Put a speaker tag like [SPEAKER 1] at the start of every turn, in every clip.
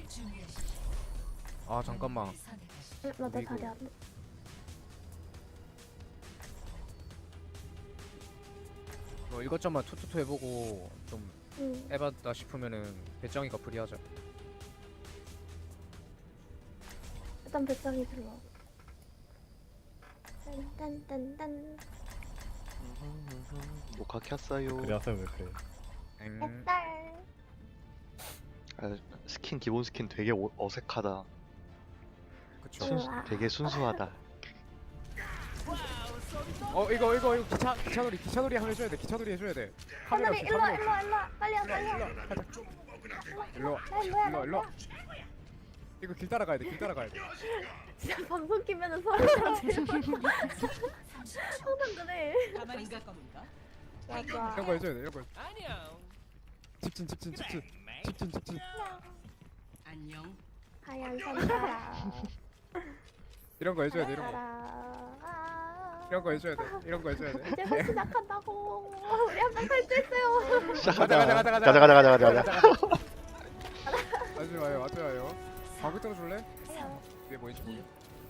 [SPEAKER 1] 아 잠깐만.
[SPEAKER 2] 나내
[SPEAKER 1] 이거.
[SPEAKER 2] 다리 안 돼.
[SPEAKER 1] 뭐 이것저것 투투투 해보고 좀
[SPEAKER 2] 응.
[SPEAKER 1] 해봤다 싶으면은 배짱이가 프리하자.
[SPEAKER 2] 일단 배짱이 들어. 딴딴딴딴.
[SPEAKER 3] 녹화 켰어요.
[SPEAKER 4] 그래 하세요 왜 그래.
[SPEAKER 2] 딸.
[SPEAKER 3] 아, 스킨 기본 스킨 되게 어색하다.
[SPEAKER 1] 그쵸.
[SPEAKER 2] 우와.
[SPEAKER 3] 되게 순수하다.
[SPEAKER 1] 이거 기차놀이 한번 해줘야 돼. 기차놀이 해줘야 돼. 카메라
[SPEAKER 2] 하늘이
[SPEAKER 1] 없어,
[SPEAKER 2] 일로 와
[SPEAKER 1] 카메라
[SPEAKER 2] 일로 와 일로 와 빨리 와
[SPEAKER 1] 없어.
[SPEAKER 2] 빨리 와.
[SPEAKER 1] 일로 와.
[SPEAKER 2] 나 일로 와
[SPEAKER 1] 일로 와. 이거 길 따라가야 돼. 길 따라가야 돼.
[SPEAKER 2] 진짜 방송 키면은 서로 항상 그래.
[SPEAKER 5] 가만히 있을 겁니까?
[SPEAKER 2] 맞아.
[SPEAKER 1] 이런 거 해줘야 돼. 이런 거.
[SPEAKER 5] 안녕.
[SPEAKER 1] 직진.
[SPEAKER 5] 안녕.
[SPEAKER 2] 하얀 선사라.
[SPEAKER 1] 이런 거 해줘야 돼. 이런 거.
[SPEAKER 2] 아.
[SPEAKER 1] 이런 거 해줘야 돼. 이런 거 해줘야 돼.
[SPEAKER 2] 이제 시작한다고. 우리 한번 탈출했어요.
[SPEAKER 3] 시작하자.
[SPEAKER 1] 가자.
[SPEAKER 3] 가자.
[SPEAKER 1] 하지 마요. 하지 마요. 방구 좀 줄래? 이게 뭐인지 모르.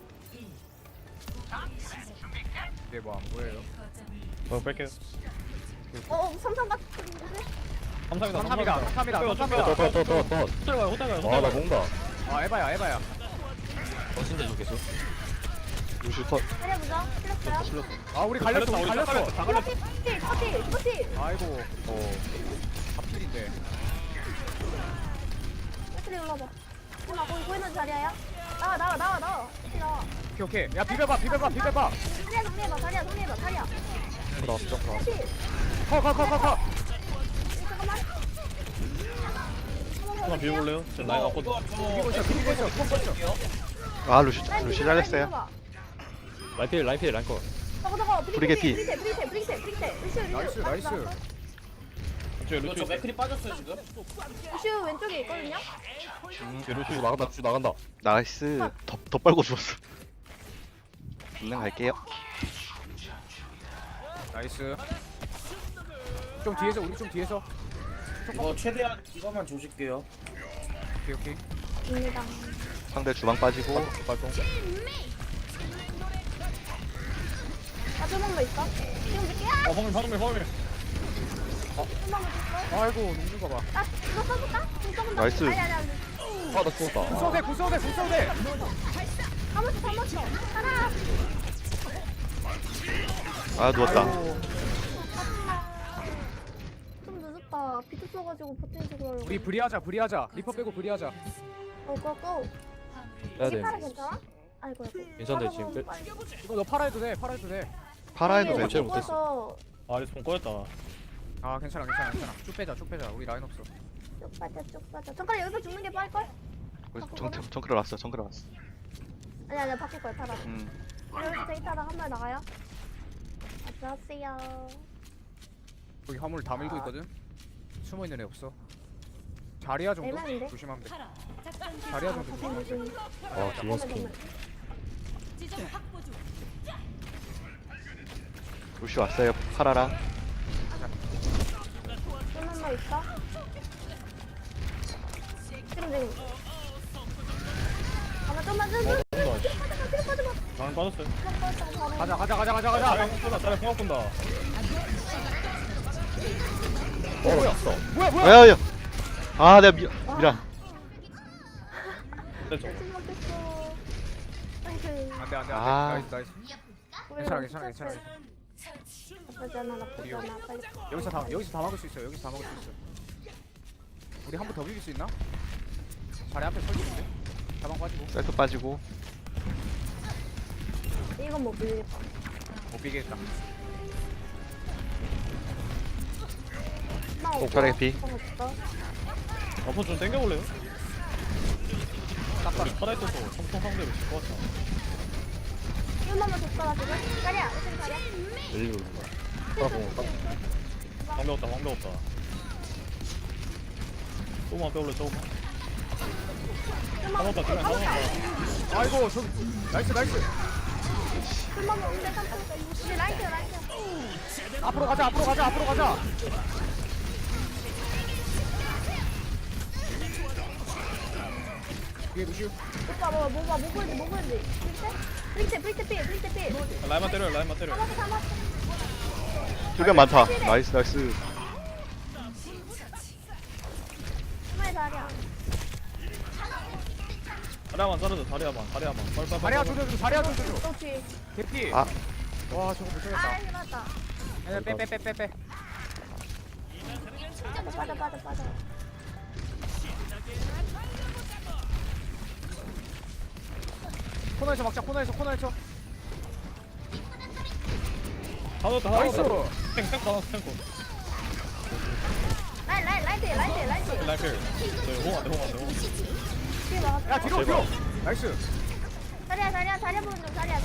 [SPEAKER 1] 이게 뭐 안 보여요?
[SPEAKER 4] 뺄게요.
[SPEAKER 2] 삼삼 같은데?
[SPEAKER 4] 삼삼이다.
[SPEAKER 1] 삼삼이다.
[SPEAKER 4] 더. 호텔 가요. 아나 뭔가.
[SPEAKER 1] 아 에바야.
[SPEAKER 4] 신대 계속.
[SPEAKER 3] 루시 컷.
[SPEAKER 2] 살려보자. 틀렸어요?
[SPEAKER 1] 아 우리 갈렸어.
[SPEAKER 4] 다 갈렸어.
[SPEAKER 2] 커티.
[SPEAKER 1] 아이고. 갑질인데.
[SPEAKER 2] 커티 올라봐. 누나 거기 보이는 자리야? 나와. 커티 나와.
[SPEAKER 1] 오케이. 야 비벼봐.
[SPEAKER 2] 정리해봐. 자리야.
[SPEAKER 4] 나왔어.
[SPEAKER 2] 커티.
[SPEAKER 1] 커.
[SPEAKER 2] 잠깐만.
[SPEAKER 4] 한번 비워볼래요? 지금 라인 왔거든.
[SPEAKER 1] 비비고 있어.
[SPEAKER 3] 아 루시 잘했어요.
[SPEAKER 4] 라이필 라인 거.
[SPEAKER 2] 저거.
[SPEAKER 3] 브리게티.
[SPEAKER 2] 브리게티.
[SPEAKER 1] 나이스.
[SPEAKER 4] 왼쪽에 루시.
[SPEAKER 6] 맥클이 빠졌어요 지금?
[SPEAKER 2] 루슈 왼쪽에 있거든요?
[SPEAKER 4] 루시 나간다.
[SPEAKER 3] 나이스. 더 빨고 죽었어. 그냥 갈게요.
[SPEAKER 1] 나이스. 좀 뒤에서 우리 좀 뒤에서.
[SPEAKER 6] 이거 최대한 이거만 조질게요.
[SPEAKER 1] 오케이.
[SPEAKER 2] 입니다.
[SPEAKER 3] 상대 주방 빠지고.
[SPEAKER 4] 발동.
[SPEAKER 2] 조금만 더 있어. 지금 줄게요.
[SPEAKER 4] 화물.
[SPEAKER 2] 조금만 더 있어.
[SPEAKER 1] 아이고 녹는 거 봐.
[SPEAKER 2] 나 이거 써줄까? 조금 더.
[SPEAKER 3] 나이스.
[SPEAKER 2] 아니.
[SPEAKER 4] 아나 죽었다.
[SPEAKER 1] 구소대.
[SPEAKER 2] 감았어. 하나.
[SPEAKER 3] 아 누웠다.
[SPEAKER 1] 아이고.
[SPEAKER 2] 좀 늦었다. 비트 써가지고 버튼 주고 하려고.
[SPEAKER 1] 우리 브리하자. 리퍼 빼고 브리하자.
[SPEAKER 2] 고.
[SPEAKER 4] 해야
[SPEAKER 2] 이게 팔아
[SPEAKER 4] 돼.
[SPEAKER 2] 괜찮아? 아이고.
[SPEAKER 4] 괜찮은데, 지금 끝?
[SPEAKER 1] 이거 너 팔아 해도 돼.
[SPEAKER 3] 팔아 해도
[SPEAKER 4] 네,
[SPEAKER 3] 되고.
[SPEAKER 4] 제일 못했어. 아 리스폰 꺼였다.
[SPEAKER 1] 아 괜찮아. 쭉 빼자. 우리 라인 없어.
[SPEAKER 2] 쭉 빠져. 잠깐 여기서 죽는 게 빠를 걸?
[SPEAKER 3] 정크를 왔어.
[SPEAKER 2] 아니야 바뀔 거야 타라.
[SPEAKER 3] 음.
[SPEAKER 2] 여기서 데이터랑 한 발 나가요. 안녕하세요.
[SPEAKER 1] 여기 화물 다 밀고 있거든. 숨어 있는 애 없어. 자리야 정도
[SPEAKER 2] 애매한데?
[SPEAKER 1] 조심하면 돼. 자리야 정도. 조심.
[SPEAKER 4] 아 기본 스킨.
[SPEAKER 5] 지점 확보 중.
[SPEAKER 3] 루시 왔어요. 팔아라.
[SPEAKER 2] 좀만 더 있어. 지금. 좀만 좀.
[SPEAKER 4] 라인 빠졌어요.
[SPEAKER 1] 가자.
[SPEAKER 4] 자리 공학 본다.
[SPEAKER 1] 뭐야?
[SPEAKER 4] 뭐야?
[SPEAKER 1] 뭐야?
[SPEAKER 3] 야야야. 아 내가 미라.
[SPEAKER 4] 됐죠.
[SPEAKER 1] 안돼.
[SPEAKER 3] 아.
[SPEAKER 1] 나이스. 괜찮아.
[SPEAKER 2] 나쁘잖아 빨리.
[SPEAKER 1] 여기서 다 막을 수 있어. 우리 한 번 더 비빌 수 있나? 자리 앞에 설치인데. 가방 빠지고.
[SPEAKER 3] 셀프 빠지고.
[SPEAKER 2] 이건 못 빌리겠다.
[SPEAKER 1] 못 비겠다.
[SPEAKER 3] 옥살의 피.
[SPEAKER 4] 앞으로 좀 당겨볼래요?
[SPEAKER 1] 딱 봐.
[SPEAKER 4] 우리 파라 있어서 성통 상대로 질것 같아.
[SPEAKER 2] 얼마나 줬다가 지금? 자리야. 어떻게 자리야?
[SPEAKER 4] 열리고 있는 거야. 파라 공학. 방벽 없다. 조금만 빼올래 조금만. 까먹었다.
[SPEAKER 1] 아이고 저기 나이스.
[SPEAKER 2] 얼마나 온대 깜짝. 우리 라이트.
[SPEAKER 1] 앞으로 가자. 뒤에 루시우.
[SPEAKER 2] 오빠 뭐 보이지? 브릭테 필.
[SPEAKER 4] 라인만 때려 라인만 때려.
[SPEAKER 2] 잡았어.
[SPEAKER 3] 힐벤 많다. 나이스 나이스.
[SPEAKER 2] 정말 잘이야.
[SPEAKER 4] 다리야만 자르자 다리야만 빨빨빨.
[SPEAKER 1] 자리야 조져줘. 자리야 조져줘.
[SPEAKER 2] 그렇지.
[SPEAKER 1] 개피.
[SPEAKER 3] 아.
[SPEAKER 1] 와 저거 못
[SPEAKER 2] 아,
[SPEAKER 1] 살렸다.
[SPEAKER 2] 힘났다.
[SPEAKER 1] 아니야 빼.
[SPEAKER 2] 빠져.
[SPEAKER 1] 코너에서 막자. 코너에서.
[SPEAKER 4] 다 넣었다
[SPEAKER 1] 나이스.
[SPEAKER 4] 탱크 탱크.
[SPEAKER 2] 라이트.
[SPEAKER 4] 라이필. 홍한테.
[SPEAKER 2] 뒤에 막았어.
[SPEAKER 1] 야 뒤로. 나이스.
[SPEAKER 2] 자리야 보는 중. 자리야.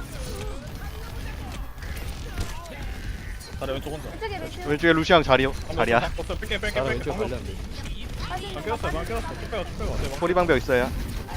[SPEAKER 4] 다리 왼쪽 혼자.
[SPEAKER 2] 왼쪽에 루시우.
[SPEAKER 3] 왼쪽에 루시앙 자리야.
[SPEAKER 4] 없어 뺄게. 방 깨웠어. 쭉 빼고. 대박.
[SPEAKER 3] 소리방벽 있어요.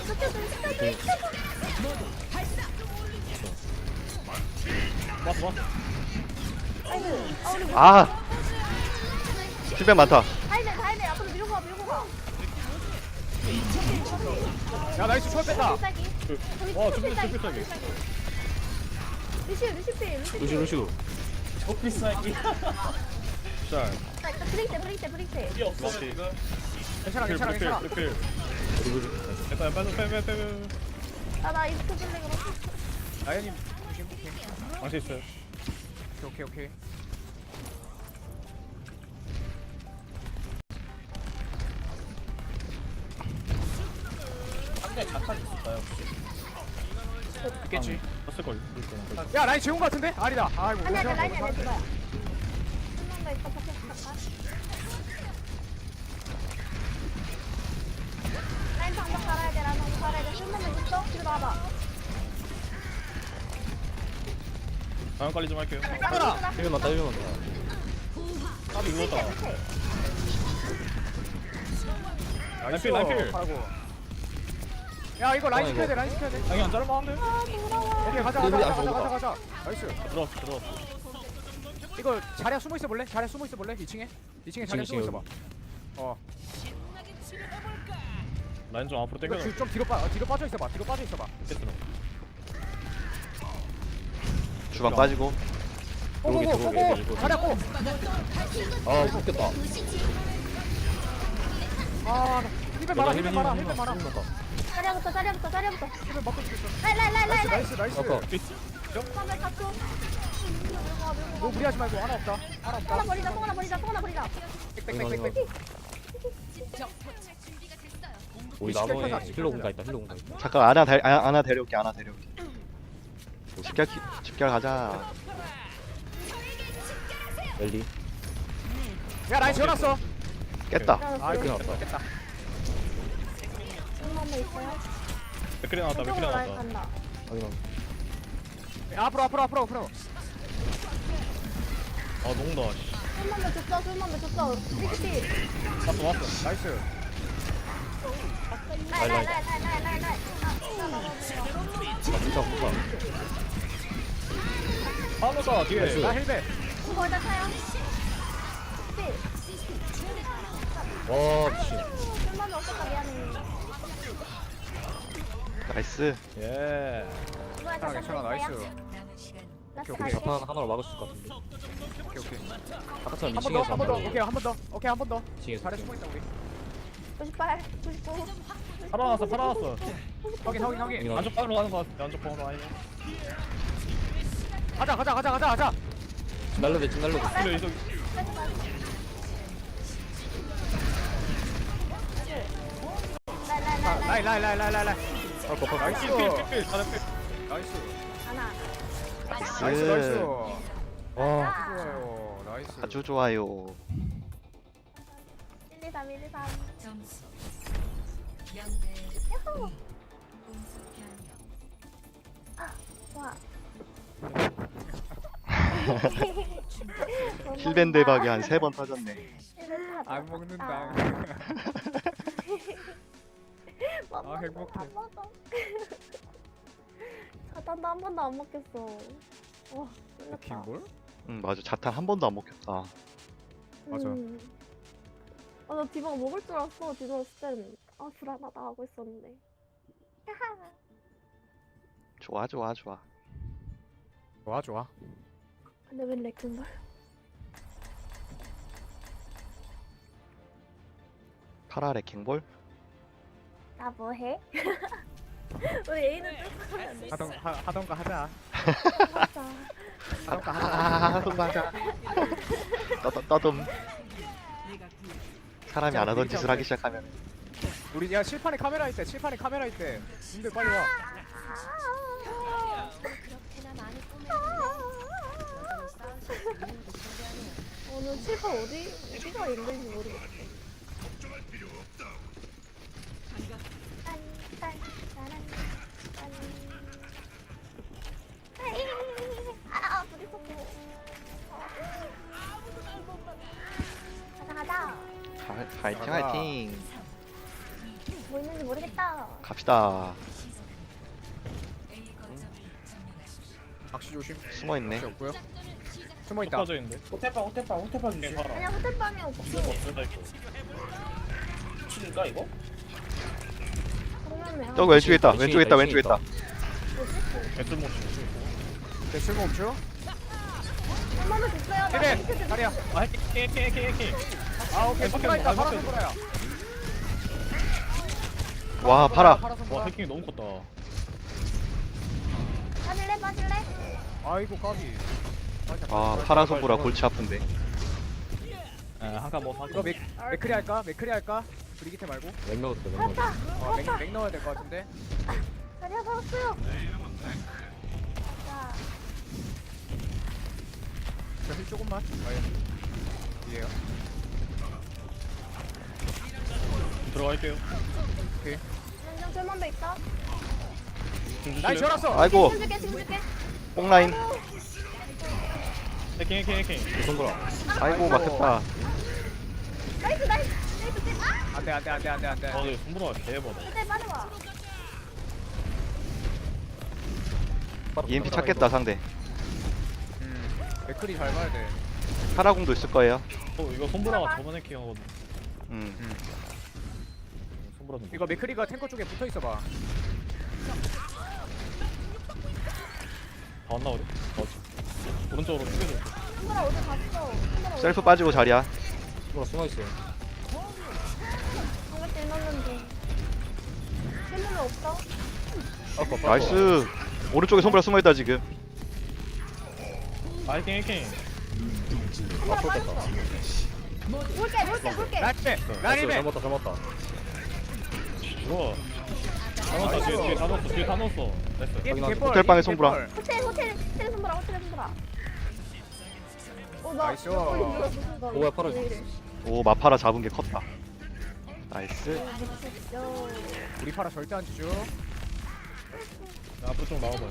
[SPEAKER 4] 왔어.
[SPEAKER 2] 우리
[SPEAKER 3] 아. 힐벤 많다.
[SPEAKER 2] 다이네. 앞으로 밀고 가.
[SPEAKER 1] 야 나이스 초월 뺐다.
[SPEAKER 4] 와 준비 필살기.
[SPEAKER 2] 루시우.
[SPEAKER 4] 루시우.
[SPEAKER 6] 오피스하기.
[SPEAKER 4] 자.
[SPEAKER 2] 브릭테.
[SPEAKER 6] 필요 없어 지금.
[SPEAKER 1] 괜찮아.
[SPEAKER 4] 필. 일단 빼.
[SPEAKER 2] 나 이스트 줄래 그럼.
[SPEAKER 1] 라이언님.
[SPEAKER 4] 방시 있어요.
[SPEAKER 1] 오케이.
[SPEAKER 6] 상대 자탄 있을까요 혹시?
[SPEAKER 1] 있겠지.
[SPEAKER 4] 떴을 걸.
[SPEAKER 1] 야 라인 재운 거 같은데? 아니다. 아이고.
[SPEAKER 2] 아니야,
[SPEAKER 1] 재운 거
[SPEAKER 2] 라인이
[SPEAKER 1] 같아.
[SPEAKER 2] 아니야, 누가야. 한번더 있어, 잠깐. 라인 방벽 갈아야 돼, 라인 방벽 갈아야 돼. 한번더 있어? 뒤로 나와봐.
[SPEAKER 4] 다음 관리 좀 할게요.
[SPEAKER 1] 따라.
[SPEAKER 4] 1분 맞다. 까비 이거다.
[SPEAKER 1] 나이스.
[SPEAKER 4] 라인필.
[SPEAKER 1] 아이고. 야 이거 라인 시켜야 돼.
[SPEAKER 4] 아니 안 자르면 안 돼.
[SPEAKER 2] 아, 돌아와.
[SPEAKER 1] 오케이 가자. 나이스.
[SPEAKER 4] 들어왔어.
[SPEAKER 1] 이거 자리야 숨어 있어 볼래? 2층에 자리야 숨어 있어 봐.
[SPEAKER 4] 라인 좀 앞으로
[SPEAKER 1] 이거
[SPEAKER 4] 당겨.
[SPEAKER 1] 좀 뒤로 빠져 있어 봐.
[SPEAKER 3] 주방 빠지고.
[SPEAKER 1] 고고. 자리야 고.
[SPEAKER 4] 아 웃겼다.
[SPEAKER 1] 아 힐벤 많아.
[SPEAKER 2] 자리야부터.
[SPEAKER 1] 힐벤 맞고 죽겠어.
[SPEAKER 2] 라인.
[SPEAKER 1] 나이스.
[SPEAKER 2] 화면 잡고.
[SPEAKER 1] 너 무리하지 말고 하나 없다.
[SPEAKER 2] 뽕 하나 버리자.
[SPEAKER 1] 빽빽.
[SPEAKER 7] 우리 나머에 힐러 공가 있다.
[SPEAKER 3] 잠깐 아나 데려올게. 집결 가자.
[SPEAKER 7] 엘리.
[SPEAKER 1] 야 라인 지어놨어.
[SPEAKER 3] 깼다.
[SPEAKER 1] 아이고
[SPEAKER 7] 끝났다.
[SPEAKER 1] 깼다.
[SPEAKER 2] 한번더 있어요.
[SPEAKER 4] 맥크리 나왔다.
[SPEAKER 2] 왼쪽으로 라인 간다.
[SPEAKER 7] 확인함.
[SPEAKER 1] 야, 앞으로.
[SPEAKER 4] 아 농다.
[SPEAKER 2] 술만 더 줬어. 브릭티.
[SPEAKER 4] 왔어.
[SPEAKER 1] 나이스.
[SPEAKER 2] 라인.
[SPEAKER 7] 진짜 무사.
[SPEAKER 4] 하노다 뒤에.
[SPEAKER 1] 나 힐벤.
[SPEAKER 2] 거기다 차요.
[SPEAKER 7] 와 미친.
[SPEAKER 2] 술만 없었다, 미안해.
[SPEAKER 3] 나이스.
[SPEAKER 4] 예.
[SPEAKER 2] 이번에
[SPEAKER 1] 괜찮아. 나이스.
[SPEAKER 2] 라스트
[SPEAKER 1] 오케이.
[SPEAKER 2] 갈게.
[SPEAKER 7] 자판 하나로 막을 수 있을 것 같은데.
[SPEAKER 1] 오케이.
[SPEAKER 7] 아까처럼
[SPEAKER 1] 한 번
[SPEAKER 7] 2층에서
[SPEAKER 1] 더. 오케이 한 번 더.
[SPEAKER 7] 2층에서.
[SPEAKER 1] 잘해 숨어 있다 우리.
[SPEAKER 2] 98, 99.
[SPEAKER 4] 살아났어.
[SPEAKER 1] 확인.
[SPEAKER 4] 안쪽 방으로 가는 거 같아. 안쪽 방으로 아니네.
[SPEAKER 1] 가자.
[SPEAKER 7] 날려대.
[SPEAKER 4] 근데 이거
[SPEAKER 1] 라인. 나이스.
[SPEAKER 4] 필.
[SPEAKER 1] 나이스.
[SPEAKER 2] 하나.
[SPEAKER 1] 나이스.
[SPEAKER 7] 와.
[SPEAKER 1] 좋아요. 나이스.
[SPEAKER 3] 아주 좋아요.
[SPEAKER 2] 1, 2, 3, 1, 2, 3.
[SPEAKER 5] 점수 0대
[SPEAKER 2] 야호!
[SPEAKER 5] 공수 변형.
[SPEAKER 2] 좋아.
[SPEAKER 3] 힐벤 대박이 한 3번 터졌네.
[SPEAKER 1] 안 먹는다. 아, 행복해.
[SPEAKER 2] 안 먹어. 자탄도 한 번도 안 먹겠어. 와, 놀랐다.
[SPEAKER 1] 킹볼?
[SPEAKER 3] 맞아. 자탄 한 번도 안 먹혔다.
[SPEAKER 1] 맞아.
[SPEAKER 2] 나 디바가 먹을 줄 알았어. 디바 진짜 불안하다 하고 있었는데.
[SPEAKER 3] 좋아 좋아 좋아.
[SPEAKER 1] 좋아 좋아.
[SPEAKER 2] 근데 웬 렉ขึ้걸?
[SPEAKER 3] 파라 레킹볼?
[SPEAKER 2] 나 뭐해? 우리 A는 뚫고 가면 안 돼.
[SPEAKER 1] 하던가 하자.
[SPEAKER 2] 맞아.
[SPEAKER 1] 하던가 하자.
[SPEAKER 3] 하동가자. 떠듬.
[SPEAKER 5] 내가 구
[SPEAKER 3] 사람이 안 하던 짓을 하기 시작하면
[SPEAKER 1] 우리 야 칠판에 카메라 있대. 칠판에 카메라 있대. 님들 빨리 와.
[SPEAKER 2] 오늘 칠판 어디가 있는지 모르겠어. 아, 우리 속고. 가자.
[SPEAKER 3] 화이팅 화이팅.
[SPEAKER 2] 뭐 있는지 모르겠다.
[SPEAKER 3] 갑시다.
[SPEAKER 1] 박시 조심.
[SPEAKER 3] 숨어있네.
[SPEAKER 1] 박시 없고요. 숨어 있다.
[SPEAKER 6] 빠져 있는데. 호텔방 주세요. 봐라.
[SPEAKER 2] 아니야, 호텔방이 없어.
[SPEAKER 6] 이거 없어다 이거. 미친가 이거?
[SPEAKER 2] 그러면 왜?
[SPEAKER 3] 저기 왼쪽에 있다. 왼쪽에 있다. 왼쪽에 있다.
[SPEAKER 6] 개쓸모 없이.
[SPEAKER 1] 네, 쓸모 없죠?
[SPEAKER 2] 한 번만 줬어요. 나
[SPEAKER 1] 그래.
[SPEAKER 2] 링크 좀-
[SPEAKER 1] 다리야.
[SPEAKER 6] 아 해킹.
[SPEAKER 1] 아 오케이. 손보라 있다. 파라
[SPEAKER 6] 해킹.
[SPEAKER 1] 손보라야.
[SPEAKER 3] 와 파라.
[SPEAKER 1] 파라
[SPEAKER 6] 와
[SPEAKER 1] 손보라.
[SPEAKER 6] 해킹이 너무 컸다.
[SPEAKER 2] 빠질래?
[SPEAKER 1] 아이고 까비.
[SPEAKER 3] 아 파라 손보라 골치 아픈데.
[SPEAKER 6] 한칸 뭐
[SPEAKER 1] 이거 맥크리 할까? 맥크리 할까? 브리기테 말고.
[SPEAKER 7] 몇 명부터 몇 명.
[SPEAKER 1] 맥 넣어야 될 것 같은데.
[SPEAKER 2] 다리야 살았어요. 자,
[SPEAKER 1] 저힐 조금만. 이에요.
[SPEAKER 6] 들어갈게요.
[SPEAKER 2] 연장 절만배 있다.
[SPEAKER 1] 나이 절았어.
[SPEAKER 3] 아이고
[SPEAKER 2] 지금 줄게.
[SPEAKER 3] 뽕라인.
[SPEAKER 6] 해킹.
[SPEAKER 7] 손보라.
[SPEAKER 3] 아이고 막혔다.
[SPEAKER 2] 나이스. 아,
[SPEAKER 1] 안돼.
[SPEAKER 6] 아 근데 손보라가 개해봐다.
[SPEAKER 2] 호텔 빠져봐.
[SPEAKER 3] EMP 찾겠다 상대.
[SPEAKER 1] 맥크리 잘 봐야 돼.
[SPEAKER 3] 파라공도 있을 거예요.
[SPEAKER 6] 이거 손보라가 저번 해킹하거든. 손보라 좀.
[SPEAKER 1] 이거 맥크리가 탱커 쪽에 붙어 있어 봐.
[SPEAKER 6] 다안 나오래. 오른쪽으로 튀겨줘.
[SPEAKER 2] 손보라 어디 갔어?
[SPEAKER 3] 셀프 빠지고 자리야.
[SPEAKER 7] 손보라 숨어있어요.
[SPEAKER 2] 방금 넣었는데. 실물은 없어?
[SPEAKER 7] 아까
[SPEAKER 3] 나이스. 오른쪽에 손보라 숨어있다 지금.
[SPEAKER 6] 아 해킹.
[SPEAKER 7] 앞으로 뺐다.
[SPEAKER 2] 볼게.
[SPEAKER 1] 나이스.
[SPEAKER 7] 잘못다.
[SPEAKER 6] 우와. 다 넣었어. 뒤에 다 넣었어. 됐어.
[SPEAKER 3] 호텔방에 손보라.
[SPEAKER 2] 호텔 손보라. 나
[SPEAKER 1] 나이스.
[SPEAKER 7] 뭐야, 팔아.
[SPEAKER 3] 오 마파라 잡은 게 컸다. 나이스.
[SPEAKER 1] 우리 파라 절대 안 주죠.
[SPEAKER 6] 앞으로 좀 나와봐요.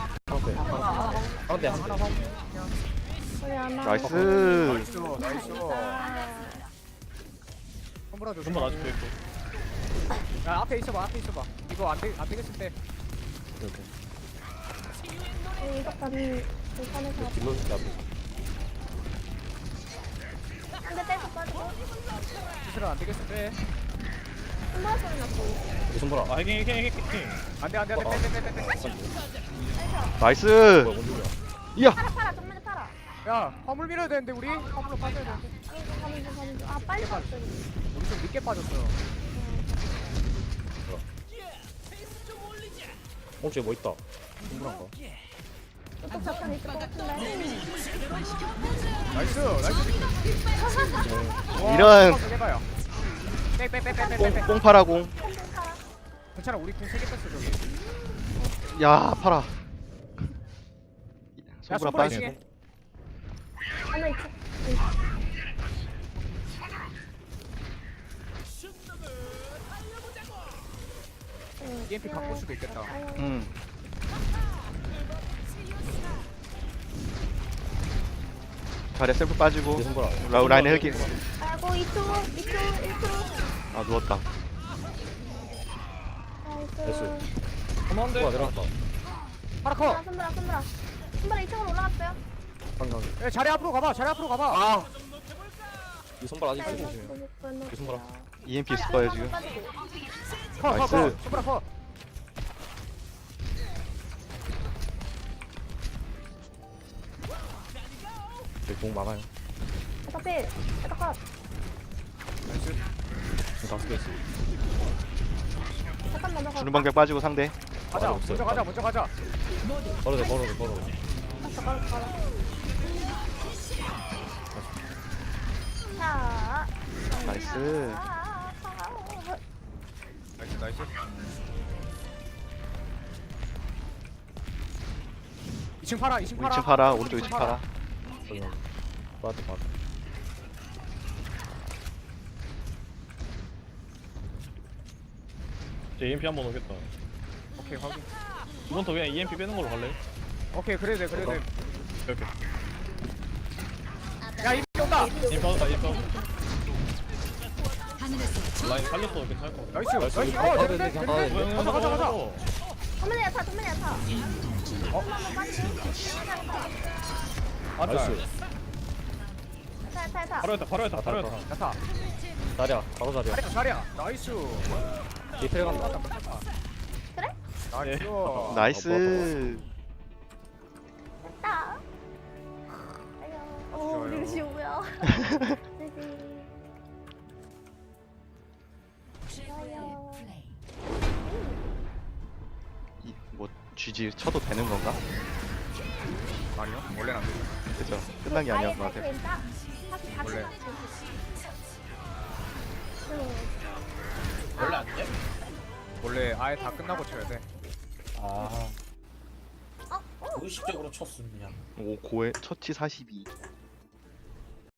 [SPEAKER 7] 가운데
[SPEAKER 1] 하나 방.
[SPEAKER 3] 나이스.
[SPEAKER 1] 나이스. 손보라 줘.
[SPEAKER 6] 손보라 아직도 있고.
[SPEAKER 1] 야 앞에 있어봐. 이거 안 되겠을 때.
[SPEAKER 2] 이것까지 불편해서
[SPEAKER 7] 딜로 잡.
[SPEAKER 2] 한대 떼서 빠지고
[SPEAKER 1] 기술은 안 되겠을 때.
[SPEAKER 2] 손보라 소리 났고
[SPEAKER 7] 손보라.
[SPEAKER 6] 아 해킹.
[SPEAKER 1] 안돼. 빼.
[SPEAKER 3] 나이스.
[SPEAKER 7] 뭐야, 뭔 소리야?
[SPEAKER 3] 이야.
[SPEAKER 2] 팔아 정면에 팔아.
[SPEAKER 1] 야 화물 밀어야 되는데 우리 화물로 빠져야 되는데.
[SPEAKER 2] 가는 중. 아 빨리 갔어.
[SPEAKER 1] 우리 좀 늦게 빠졌어.
[SPEAKER 7] 저기 뭐 있다. 손보라인가?
[SPEAKER 2] 또 잠깐 있을 것 같은데.
[SPEAKER 1] 나이스.
[SPEAKER 3] 이런.
[SPEAKER 1] 해봐요. 빼.
[SPEAKER 3] 뽕파라공.
[SPEAKER 1] 괜찮아 우리 궁 3개 뺐어 저기.
[SPEAKER 3] 야 파라.
[SPEAKER 1] 야
[SPEAKER 3] 손보라
[SPEAKER 1] 손보라
[SPEAKER 3] 빠지.
[SPEAKER 1] 이층에.
[SPEAKER 2] 하나 있지.
[SPEAKER 1] EMP 바꿀 수도 있겠다.
[SPEAKER 3] 자리에 셀프 빠지고.
[SPEAKER 7] 손보라.
[SPEAKER 3] 라인 헬기.
[SPEAKER 2] 아이고 2초.
[SPEAKER 3] 아 누웠다.
[SPEAKER 2] 나이스.
[SPEAKER 6] 그만한데.
[SPEAKER 7] 손보라 내려갔다.
[SPEAKER 1] 파라커.
[SPEAKER 2] 손보라 2층으로 올라갔어요.
[SPEAKER 7] 한강.
[SPEAKER 1] 야 자리 앞으로 가봐.
[SPEAKER 7] 이 손보라 아직 쓰고 있어요. 이 손보라.
[SPEAKER 3] EMP 있을 거예요 지금.
[SPEAKER 1] 커.
[SPEAKER 3] 나이스.
[SPEAKER 1] 손보라 커.
[SPEAKER 7] 저기 공 많아요.
[SPEAKER 2] 어차피 에터컷.
[SPEAKER 1] 나이스.
[SPEAKER 7] 지금 다섯 개 있어.
[SPEAKER 2] 잠깐 먼저 가.
[SPEAKER 3] 주는 방벽 빠지고 상대.
[SPEAKER 1] 가자.
[SPEAKER 7] 없어요.
[SPEAKER 1] 먼저 가자. 먼저 가자.
[SPEAKER 7] 걸어도 돼, 걸어도 돼, 걸어도 돼.
[SPEAKER 2] 가라. 자.
[SPEAKER 3] 나이스.
[SPEAKER 1] 나이스 나이스. 2층 팔아. 2층 팔아.
[SPEAKER 3] 2층 팔아. 오른쪽 2층 팔아.
[SPEAKER 7] 저기 빠져, 빠져.
[SPEAKER 4] 이제 EMP 한번 오겠다.
[SPEAKER 1] 오케이 확인.
[SPEAKER 4] 이번 더 그냥 EMP 빼는 걸로 갈래?
[SPEAKER 1] 오케이 그래도 돼 그래도 돼.
[SPEAKER 4] 이렇게.
[SPEAKER 1] 야 이리 온다.
[SPEAKER 4] EMP 하다, EMP 하다.
[SPEAKER 5] 하늘에서
[SPEAKER 4] 라인 살렸어, 괜찮을 것 같아.
[SPEAKER 1] 나이스.
[SPEAKER 7] 나이스.
[SPEAKER 1] 나이스.
[SPEAKER 7] 가야
[SPEAKER 1] 어
[SPEAKER 7] 돼,
[SPEAKER 1] 됐네.
[SPEAKER 7] 가야 돼.
[SPEAKER 1] 됐네. 가자 가자 가자.
[SPEAKER 2] 정면에 야타. 정면에 야타. 한번 빠지고.
[SPEAKER 4] 아,
[SPEAKER 7] 나이스.
[SPEAKER 2] 야타.
[SPEAKER 4] 바로 했다, 바로 했다, 바로 했다.
[SPEAKER 1] 야타.
[SPEAKER 7] 자리야, 바로 자리야.
[SPEAKER 1] 자리야 자리야. 나이스.
[SPEAKER 7] 디테일 간다.
[SPEAKER 2] 그래?
[SPEAKER 1] 나이스.
[SPEAKER 3] 나이스.
[SPEAKER 2] 됐다. 아유. 오,
[SPEAKER 1] 좋아요.
[SPEAKER 2] 루시오고요.
[SPEAKER 5] 최고의 플레이.
[SPEAKER 3] 뭐 GG 쳐도 되는 건가?
[SPEAKER 1] 아니요. 원래는 안 돼.
[SPEAKER 3] 그죠? 끝난 게 아니었던 것 같아.
[SPEAKER 1] 원래.
[SPEAKER 6] 원래 안 돼?
[SPEAKER 1] 원래 아예 다 끝나고 쳐야 돼.
[SPEAKER 6] 아. 의식적으로 쳤음 그냥.
[SPEAKER 3] 오 고에 처치 42.